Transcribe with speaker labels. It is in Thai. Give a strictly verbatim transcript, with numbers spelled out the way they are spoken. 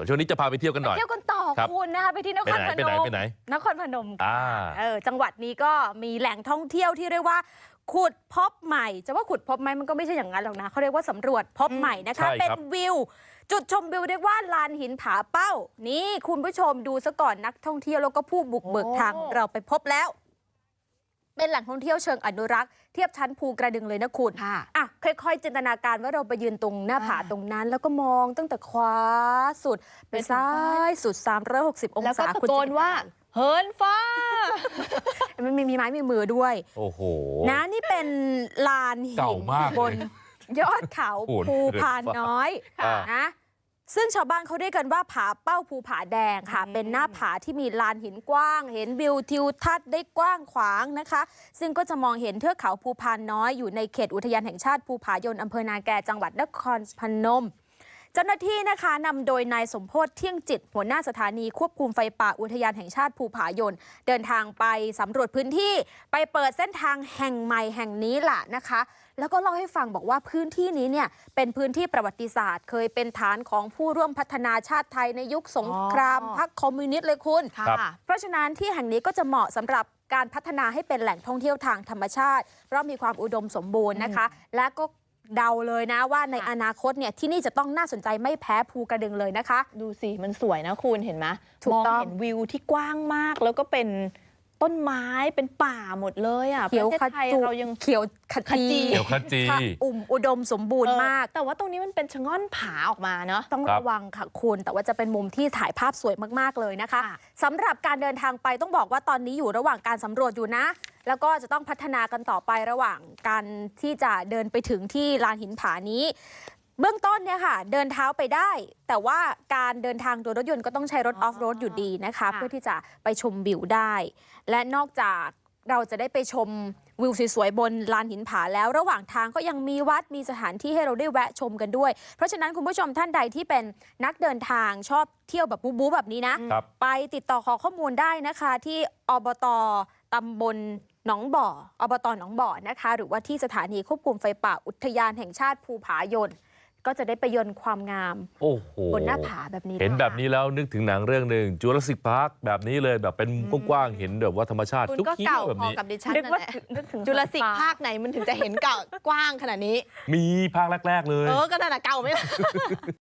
Speaker 1: ช่วงนี้จะพาไปเที่ยวกันหน่อย
Speaker 2: เที่ยวกันต่อคุณนะคะไปที่นครพนม
Speaker 1: ไปไหน
Speaker 2: นครพนมค่ะเออจังหวัดนี้ก็มีแหล่งท่องเที่ยวที่เรียกว่าขุดพบใหม่จะว่าขุดพบไหมมันก็ไม่ใช่อย่างนั้นหรอกนะเขาเรียกว่าสำรวจพบใหม่นะคะเป็นวิวจุดชมวิวเรียกว่าลานหินผาเป้านี่คุณผู้ชมดูซะก่อนนักท่องเที่ยวแล้วก็ผู้บุกเบิกทางเราไปพบแล้วเป็นแหล่งท่องเที่ยวเชิงอนุรักษ์เทียบชั้นภูกระดึงเลยนะคุณอ่ะค่อยๆจินตนาการว่าเราไปยืนตรงหน้าผาตรงนั้นแล้วก็มองตั้งแต่ขวาสุดไปซ้ายสุดสามร้อยหกสิบองศา
Speaker 3: แล้วก็ตะโกนว่าเหินฟ้า
Speaker 2: มันมีไม้มีมือด้วย
Speaker 1: โอ้โห
Speaker 2: นะนี่เป็นลานหินบนยอดเขาภูพานน้อยนะซึ่งชาวบ้านเขาเรียกกันว่าผาเป้าภูผาแดงค่ะเป็นหน้าผาที่มีลานหินกว้างเห็นวิวทิวทัศน์ได้กว้างขวางนะคะซึ่งก็จะมองเห็นเทือกเขาภูพานน้อยอยู่ในเขตอุทยานแห่งชาติภูผายนอำเภอนาแกจังหวัดนครพนมเจ้าหน้าที่นะคะนำโดยนายสมโพธิเที่ยงจิตหัวหน้าสถานีควบคุมไฟป่าอุทยานแห่งชาติภูผายนเดินทางไปสำรวจพื้นที่ไปเปิดเส้นทางแห่งใหม่แห่งนี้ล่ะนะคะแล้วก็เล่าให้ฟังบอกว่าพื้นที่นี้เนี่ยเป็นพื้นที่ประวัติศาสตร์เคยเป็นฐานของผู้ร่วมพัฒนาชาติไทยในยุคสงครามพรรคคอมมิวนิสต์เลยคุณเพราะฉะนั้นที่แห่งนี้ก็จะเหมาะสำหรับการพัฒนาให้เป็นแหล่งท่องเที่ยวทางธรรมชาติเพราะมีความอุดมสมบูรณ์นะคะและก็เดาเลยนะว่าในอนาคตเนี่ยที่นี่จะต้องน่าสนใจไม่แพ้ภูกระดึงเลยนะคะ
Speaker 3: ดูสิมันสวยนะคุณเห็นไหมมองเห็นวิวที่กว้างมากแล้วก็เป็นต้นไม้เป็นป่าหมดเลยอ่ะ
Speaker 2: เขียวขจีเรายังเขียวขจี
Speaker 1: เขียวขจี
Speaker 2: อุ่มอุดมสมบูรณ์มาก
Speaker 3: แต่ว่าตรงนี้มันเป็นชะง่อนผาออกมาเนาะ
Speaker 2: ต้องระวังค่ะคุณแต่ว่าจะเป็นมุมที่ถ่ายภาพสวยมากๆเลยนะคะสำหรับการเดินทางไปต้องบอกว่าตอนนี้อยู่ระหว่างการสำรวจอยู่นะแล้วก็จะต้องพัฒนากันต่อไประหว่างการที่จะเดินไปถึงที่ลานหินผานี้เบื้องต้นเนี่ยค่ะเดินเท้าไปได้แต่ว่าการเดินทางโดยรถยนต์ก็ต้องใช้รถออฟโรดอยู่ดีนะคะเพื่อที่จะไปชมวิวได้และนอกจากเราจะได้ไปชมวิวสวยๆบนลานหินผาแล้วระหว่างทางก็ยังมีวัดมีสถานที่ให้เราได้แวะชมกันด้วยเพราะฉะนั้นคุณผู้ชมท่านใดที่เป็นนักเดินทางชอบเที่ยวแบบบู๊ๆแบบนี้นะไปติดต่อขอข้อมูลได้นะคะที่อบต.ตำบลหนองบ่ออบต.หนองบ่อนะคะหรือว่าที่สถานีควบคุมไฟป่าอุทยานแห่งชาติภูผายนก็จะได้ไปยนต์ความงามบนหน้าผาแบบนี้
Speaker 1: เห็นแบบนี้แล้วนึกถึงหนังเรื่องหนึ่งจูราสสิคพาร์คแบบนี้เลยแบบเป็นกว้างๆเห็นแบบว่าธรรมชาติ
Speaker 3: ทุกที่แบบนี้กับดิฉันนั่นแหละจูราสสิคภาคไหนมันถึงจะเห็นเก่ากว้างขนาดนี้
Speaker 1: มีภาคแรกๆเลย
Speaker 3: เออก็นั่นแหละเก่าไม่